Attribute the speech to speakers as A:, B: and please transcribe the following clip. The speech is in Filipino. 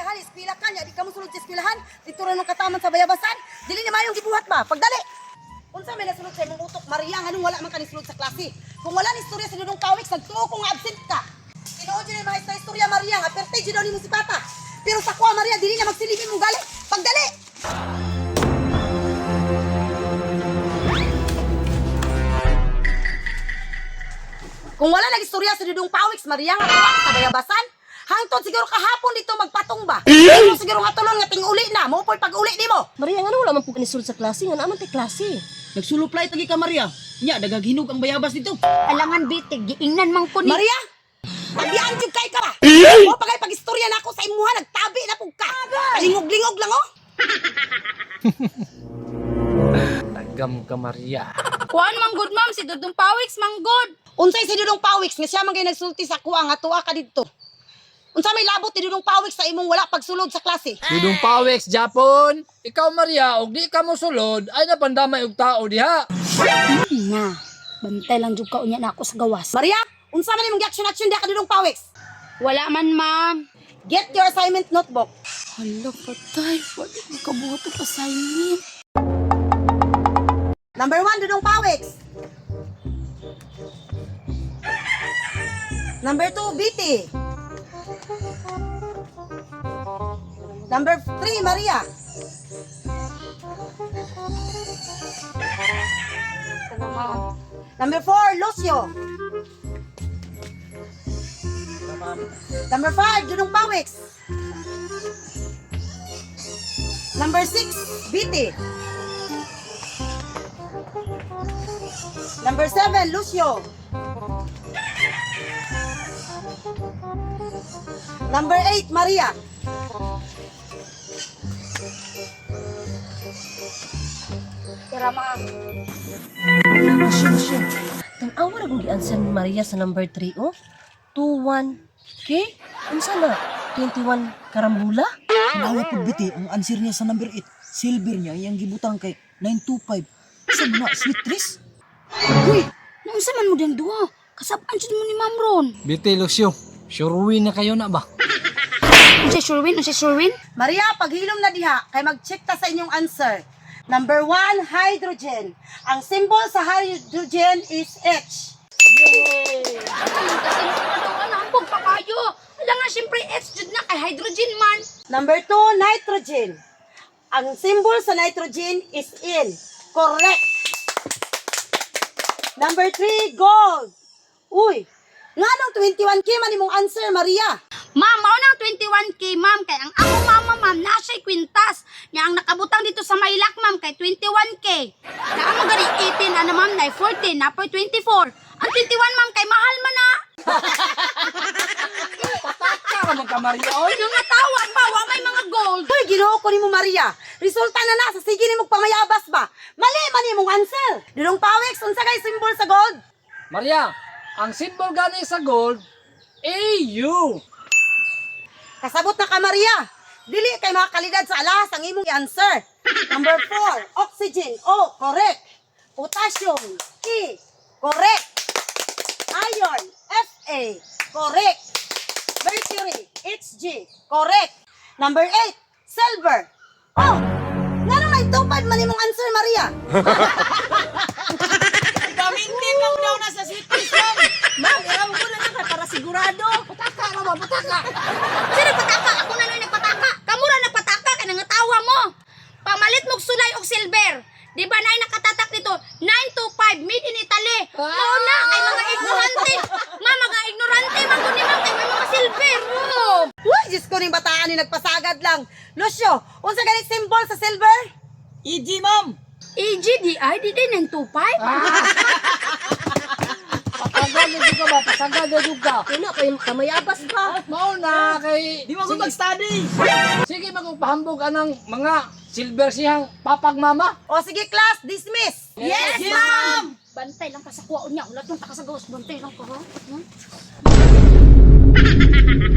A: eskwelahan, eskwela ka niya, di ka mo sulod sa eskwelahan, dito rin ang kataman sa bayabasan, dili ni mayong gibuhat ba, pagdali! Unsa may nasulod sa imong utok, Maria, anong wala man ka nisulod sa klase? Kung wala ni istorya sa Dudong Pawiks, nagtuo kung absent ka. Tinuod yun yung mga istorya, Maria, nga pertage daw ni mo si Papa. Pero sa kuha, Maria, dili niya magsilipin mong gali, pagdali! Kung wala nag-istorya sa Dudong Pawiks, Maria, nga tuwa sa bayabasan, hangtod siguro kahapon dito magpatong ba? Pero siguro nga tulon nga ting-uli na, mo po'y pag-uli di mo.
B: Maria, nga wala man po kanisulod sa klase, nga naman tay klase.
C: Nagsuluplay tagi ka, Maria. Nya, dagaghinog ang bayabas dito.
D: Alangan bitig, giingnan mang ko ni.
A: Maria, paglian jud kay ka ba? Mo pagay pag-istorya na ako sa imuha, nagtabi na pug ka. Palingog-lingog lang oh.
E: Tagam ka, Maria.
D: Kuan mang good ma'am, si Dudong Pawiks mang good.
A: Unsay si Dudong Pawiks nga siya man kay nagsulti sa kuha nga tuwa ka didto. Unsa may labot ni Dudong Pawiks sa imong wala pagsulod sa klase?
E: Dudong Pawiks, Japon. Ikaw, Maria, og di ka mo sulod, ay napandamay og tao diha.
D: Na, bantay lang jud ka unya na ako sa gawas.
A: Maria, unsa man imong action diha ka Dudong Pawiks?
D: Wala man ma'am.
A: Get your assignment notebook.
D: Hala patay, wala mo kabuhat ang assignment.
A: Number 1, Dudong Pawiks. Number 2, BT. Number 3, Maria. Number 4, Lucio. Number 5, Dudong Pawiks. Number 6, BT. Number 7, Lucio. Number 8, Maria.
D: Tara ma'am.
B: Masya. Tanawa na kung gi-answer ni Maria sa number 3, oh. 21K? Unsa na? 21 karambula?
C: Nawa pud biti ang answer niya sa number 8. Silver niya iyang gibutang kay 925. Sa na sweet trees?
D: Uy, naunsa man mo din duha? Kasabaan jud mo ni Ma'am Ron.
E: Biti, Lucio. Sure na kayo na ba?
D: Unsa Sherwin?
A: Maria, paghilom na diha, kay mag-check ta sa inyong answer. Number 1, hydrogen. Ang symbol sa hydrogen is H.
D: Alambog pa kayo. Wala nga siyempre H jud na kay hydrogen man.
A: Number 2, nitrogen. Ang symbol sa nitrogen is N. Correct. Number 3, gold. Uy, nga nung 21K man imong answer, Maria.
D: Ma'am, mao nang 21K, ma'am. Kay ang ako mama, ma'am, nasa'y kwintas. Nga ang nakabutang dito sa Maylak, ma'am, kay 21K. Na ang gani 18, ano, ma'am, na 14, na po 24. Ang 21, ma'am, kay mahal man na.
E: Pataka naman ka, Maria. Oy.
D: Nga tawag ba, wa may mga gold.
A: Uy, ginoo ko nimo, Maria. Resulta na sa sige nimong pamayabas ba? Mali man imong answer. Dudong Pawiks, unsa kay symbol sa gold?
E: Maria, ang symbol gani sa gold, AU.
A: Kasabot na ka, Maria. Dili kay mga kalidad sa alas ang imong i-answer. Number 4, oxygen. O, correct. Potassium. E, correct. Iron. Fa, correct. Mercury. Hg, correct. Number 8, silver. Oh, nga naman 2-5 man imong answer, Maria.
C: Gamitin lang daw na sa sweet trees, ma'am.
B: Ma'am, mo na lang para sigurado.
E: Pataka naman, pataka.
D: Sino pataka? Ako na lang nagpataka. Kamu ra nagpataka kay nangatawa mo. Pamalit mog sulay og silver. Di ba nay nakatatak dito 925 made in Italy. Mao na kay mga ignorante. Mga ignorante man kun ni ma'am kay may mga silver. Oh.
A: Uy, Diyos ko ning bataan ni nagpasagad lang. Lucio, unsa ganit symbol sa silver?
C: EG, ma'am.
D: EGDI di din 925.
E: Pataka mo ka ba? Pataka na ka.
B: Kaya na, kayo kamayabas ka.
E: Mao na kay...
C: Di mo ko mag-study.
E: Sige, magpahambog ka ng mga silver siyang papag mama.
A: O sige, class, dismiss.
C: Yes, ma'am.
D: Bantay lang ka sa kuwaon niya. Ulat lang ta ka sa gawas. Bantay lang ka ha.